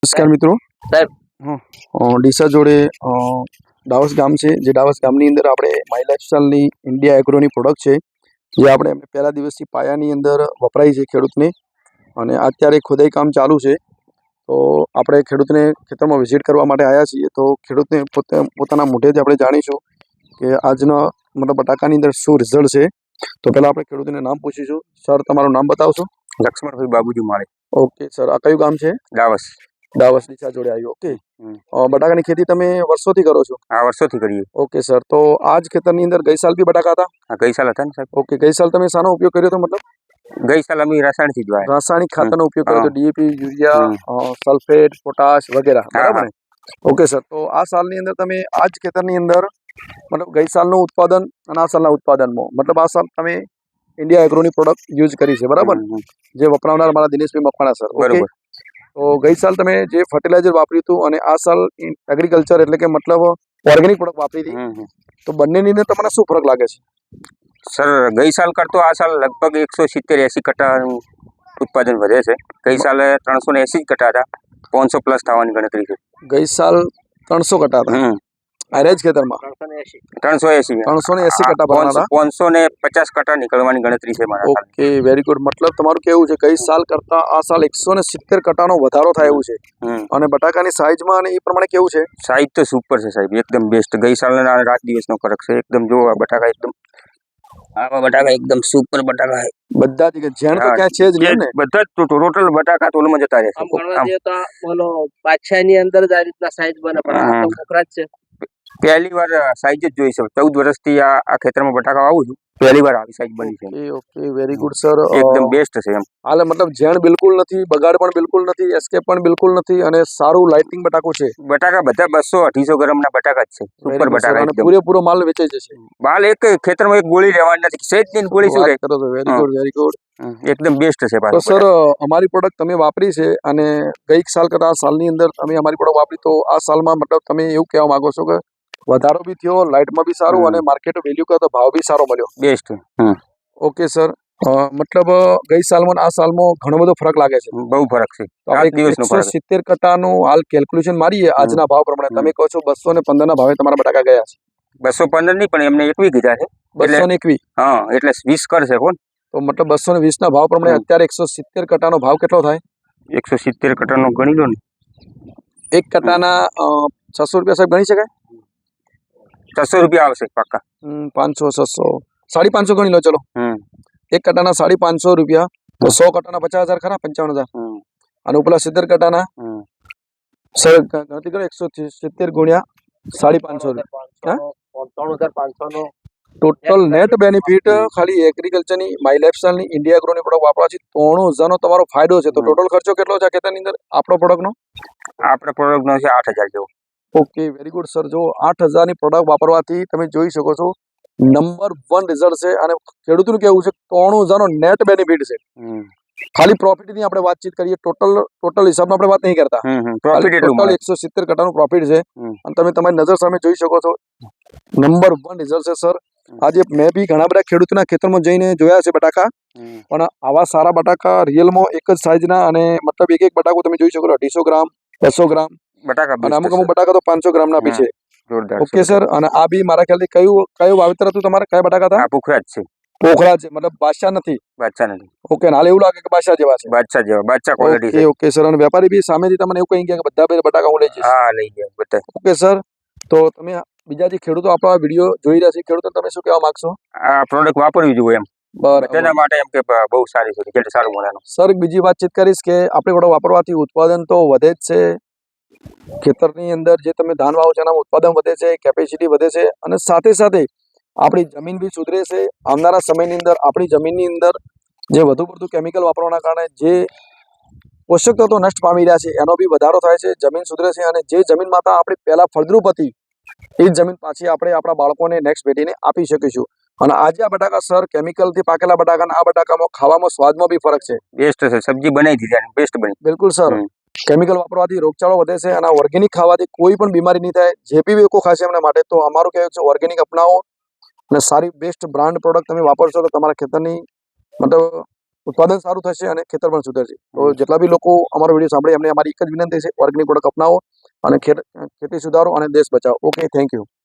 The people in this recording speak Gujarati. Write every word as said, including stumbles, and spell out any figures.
નમસ્કાર મિત્રો સાહેબ ડીસા જોડે ડાવસ ગામ છે, જે ડાવસ ગામની અંદર આપણે માય લાઇફસ્ટાઈલની ઇન્ડિયા એગ્રોની પ્રોડક્ટ છે, જે આપણે પહેલા દિવસથી પાયાની અંદર વપરાય છે ખેડૂતને, અને અત્યારે ખોદાઈ કામ ચાલુ છે. તો આપણે ખેડૂતને ખેતરમાં વિઝિટ કરવા માટે આવ્યા છીએ. તો ખેડૂતને પોતે પોતાના મોઢેથી આપણે જાણીશું કે આજના મતલબ બટાકાની અંદર શું રિઝલ્ટ છે. તો પહેલાં આપણે ખેડૂતને નામ પૂછીશું. સર, તમારું નામ બતાવશો? લક્ષ્મણભાઈ બાબુજી માળે. ઓકે સર, આ કયું ગામ છે? ડાવસ. ડાવસ ડીસા જોડે આવ્યું. ઓકે, બટાકાની ખેતી તમે વર્ષોથી કરો છો? હા, વર્ષોથી કરીએ. ઓકે સર, તો આજ ખેતરની અંદર ગઈ સાલ બી બટાકા હતા? હા, ગઈ સાલ હતા ને સાહેબ. ઓકે, ગઈ સાલ તમે શાનો ઉપયોગ કર્યો હતો? મતલબ ગઈ સાલ અમે રાસાયણિક જ વાવ્યા. રાસાયણિક ખાતરનો ઉપયોગ કર્યો હતો, ડીએપી, યુરિયા, સલ્ફેટ, પોટાશ વગેરે, બરાબર ને? ઓકે સર, તો આ સાલની અંદર તમે આજ ખેતરની અંદર મતલબ ગઈ સાલનું ઉત્પાદન અને આ સાલના ઉત્પાદનમાં મતલબ આ સાલ તમે ઇન્ડિયા એગ્રોની પ્રોડક્ટ યુઝ કરી છે, બરાબર? જે વપરાવનાર મારા દિનેશભાઈ મકવાણા સર. ઓકે, તો ગઈ સાલ તમે જે ફર્ટિલાઇઝર વાપર્યું હતું અને આ સાલ એગ્રીકલ્ચર એટલે કે મતલબ ઓર્ગેનિક પ્રોડક્ટ વાપરી હતી, તો બંનેની અંદર તમને શું ફરક લાગે છે? સર, ગઈ સાલ કરતો આ સાલ લગભગ એકસો સિત્તેર એસી કટ્ટાનું ઉત્પાદન વધે છે. ગઈ સાલે ત્રણસો ને એસી કટ્ટા હતા, પાંચસો પ્લસ થવાની ગણતરી છે. ગઈ સાલ ત્રણસો કટ્ટા હતા આરેજ ખેતરમાં? ત્રણસો એસી ત્રણસો ને એસી કટ્ટા ભરવાના, પાંચસો ને પચાસ કટ્ટા નીકળવાની ગણતરી છે મારા. Okay, very good. મતલબ તમારું કેવું છે ગઈ સાલ કરતા આ સાલ એકસો ને સિત્તેર કટ્ટાનો વધારો થાય એવું છે, અને બટાકાની સાઈઝમાં અને એ પ્રમાણે કેવું છે? સાઈઝ તો સુપર છે સાહેબ, એકદમ બેસ્ટ. ગઈ સાલના રાત દિવસનો ફરક છે એકદમ. જો આ બટાકા એકદમ આવા બટાકા એકદમ સુપર બટાકા છે બધા જ. ઝેણ તો ક્યાં છે જ નહીં ને? બધા જ ટોટલ બટાકા તોલમાં જતા રહેશે. બાદશાહ ની અંદર જ આ રીતના સાઈઝ બને, પણ આ તો કોકરા જ છે. પહેલી વાર સાઈઝ જ જોઈ છે. ચૌદ વર્ષથી આ આ ખેતરમાં બટાકા વાવું છું, પહેલી વાર આવી સાઈઝ બની છે. ઓકે, વેરી ગુડ સર, એકદમ બેસ્ટ છે એમ. હાલે મતલબ ઝેણ બિલકુલ નથી, બગાડ પણ બિલકુલ નથી, એસ્કેપ પણ બિલકુલ નથી, અને સારું લાઇટિંગ બટાકું છે. બટાકા બધા બસો અઢીસો ગ્રામના બટાકા જ છે, સુપર બટાકા. અને પૂરેપૂરો માલ વેચાઈ જશે. માલ એક ખેતરમાં એક ગોળી રહેવાની નથી, સેજ ની ગોળી શું કરો છો? વેરી ગુડ, વેરી ગુડ, એકદમ બેસ્ટ છે. તો સર, અમારી પ્રોડક્ટ તમે વાપરી છે અને ગઈ સાલ કરતા આ સાલની અંદર તમે અમારી પ્રોડક્ટ વાપરી, તો આ સાલમાં મતલબ તમે એવું કહેવા માંગો છો કે વધારો બી થયો, લાઇટમાં બી સારું, અને માર્કેટ વેલ્યુ કરતો ભાવ બી સારો મળ્યો? બેસ્ટ. ઓકે સર, મતલબ ગઈ સાલમાં આ સાલમાં ઘણો બધો ફરક લાગે છે? બહુ ફરક છે. એકસો સિત્તેર કટ્ટાનું હાલ કેલ્ક્યુલેશન મારીએ આજના ભાવ પ્રમાણે, તમે કહો છો બસો ને પંદર ના ભાવે તમારા બટાકા ગયા છે? બસો પંદર નહીં, પણ એમને એકવી કીધા છે. બસો ને એકવી? હા, એટલે વીસ કરશે કોણ? તો મતલબ બસો ને વીસ ના ભાવ પ્રમાણે અત્યારે એકસો સિત્તેર કટ્ટાનો ભાવ કેટલો થાય? એકસો સિત્તેર કટ્ટાનો ગણી લો ને. એક કટ્ટાના છસો રૂપિયા સાહેબ ગણી શકાય? છસો રૂપિયા આવશે પાક્કા. પાંચસો, છસો, સાડી પાંચસો ગણી લો. ચલો, એક કટ્ટાના સાડી પાંચસો રૂપિયા, તો સો કટ્ટાના પચાસ હજાર ખરા, પંચાવન હજાર. અને ઉપલા સિત્તેર કટ્ટાના સર ગણતરી કરો, એકસો સિત્તેર ગુણ્યા સાડી પાંચસો રૂપિયા, ત્રણ હજાર પાંચસો નો ટોટલ નેટ બેનિફિટ ખાલી એગ્રીકલ્ચરની માય લાઇફસ્ટાઈલની ઇન્ડિયા એગ્રોની પ્રોડક્ટ વાપરવાથી ત્રણ હજારનો તમારો ફાયદો છે. તો ટોટલ ખર્ચો કેટલો છે આ ખેતરની અંદર આપણો પ્રોડક્ટનો? આપણા પ્રોડક્ટનો છે આઠ હજાર જેવો. Okay, very good sir. જો આઠ હજારની પ્રોડક્ટ વાપરવાથી તમે જોઈ શકો છો નંબર વન રિઝલ્ટ છે, અને ખેડૂતનું કેવું છે ત્રણ હજારનો નેટ બેનિફિટ છે. ખાલી પ્રોફિટની આપણે વાતચીત કરીએ, ટોટલ ટોટલ હિસાબમાં આપણે વાત નહીં કરતા, ટોટલ એકસો સિત્તેર કટ્ટાનું પ્રોફિટ છે, અને તમે તમારી નજર સામે જોઈ શકો છો નંબર વન રિઝલ્ટ છે સર. આજે મેં બી ઘણા બધા ખેડૂતોના ખેતરમાં જઈને જોયા છે બટાકા, પણ આવા સારા બટાકા રિયલમાં એક જ સાઈઝના, અને મતલબ એક એક બટાકો તમે જોઈ શકો છો અઢીસો ગ્રામ, બસો ગ્રામ બટાકા, અને અમુક અમુક બટાકા તો પાંચસો ગ્રામના બી છે. ઓકે સર, અને આ બી મારા ખ્યાલથી કયું કયું વાવેતર હતું તમારે? કયા બટાકા હતા? પોખરાજ છે. પોખરાજ છે, મતલબ બાદશાહ નથી? બાદશાહ નથી. ઓકે, હાલ એવું લાગે કે બાદશાહ જેવા છે? બાદશાહ જેવા, બાદશાહ ક્વોલિટી છે. ઓકે સર, અને વેપારી બી સામેથી તમને એવું કહી ગયા કે બધા બટાકા હું લઈ જઈશ? હા, લઈ ગયા બધા. ઓકે સર, તો તમે બીજા જે ખેડૂતો આપણા વિડીયો જોઈ રહ્યા છે, ખેડૂતો તમે શું કહેવા માંગશો? આ પ્રોડક્ટ વાપરવી જોઈએ એમ, તેના માટે એમ કે બહુ સારી છે, રિઝલ્ટ સારું મળે. સર, બીજી વાતચીત કરીશ કે આપણે પ્રોડક્ટ વાપરવાથી ઉત્પાદન તો વધે જ છે. ખેતરની અંદર જે તમે ધાન વાવો છો એનામાં ઉત્પાદન વધે છે, કેપેસિટી વધે છે, અને સાથે સાથે આપણી જમીન બી સુધરે છે. આવનારા સમયની અંદર આપણી જમીનની અંદર જે વધુ પડતું કેમિકલ વાપરવાના કારણે જે પોષક તત્વો નષ્ટ પામી રહ્યા છે એનો બી વધારો થાય છે, જમીન સુધરે છે, અને જે જમીન માતા આપણી પહેલા ફળદ્રુપ હતી એ જ જમીન પાછી આપણે આપણા બાળકોને નેક્સ્ટ પેઢીને આપી શકીશું. અને આજે આ બટાકા સર કેમિકલથી પાકેલા બટાકાના આ બટાકામાં ખાવામાં સ્વાદમાં બી ફરક છે. બેસ્ટ છે, સબ્જી બનાવી દીધી, બેસ્ટ બની. બિલકુલ સર, કેમિકલ વાપરવાથી રોગચાળો વધે છે, અને ઓર્ગેનિક ખાવાથી કોઈ પણ બીમારી નહીં થાય. જે બી લોકો ખાશે એમના માટે તો અમારું કહેવું છે ઓર્ગેનિક અપનાવો, અને સારી બેસ્ટ બ્રાન્ડ પ્રોડક્ટ તમે વાપરશો તો તમારા ખેતરની મતલબ ઉત્પાદન સારું થશે અને ખેતર પણ સુધરશે. તો જેટલા બી લોકો અમારો વિડીયો સાંભળે એમને અમારી એક જ વિનંતી છે, ઓર્ગેનિક પ્રોડક્ટ અપનાવો અને ખેતી સુધારો અને દેશ બચાવો. Okay, thank you.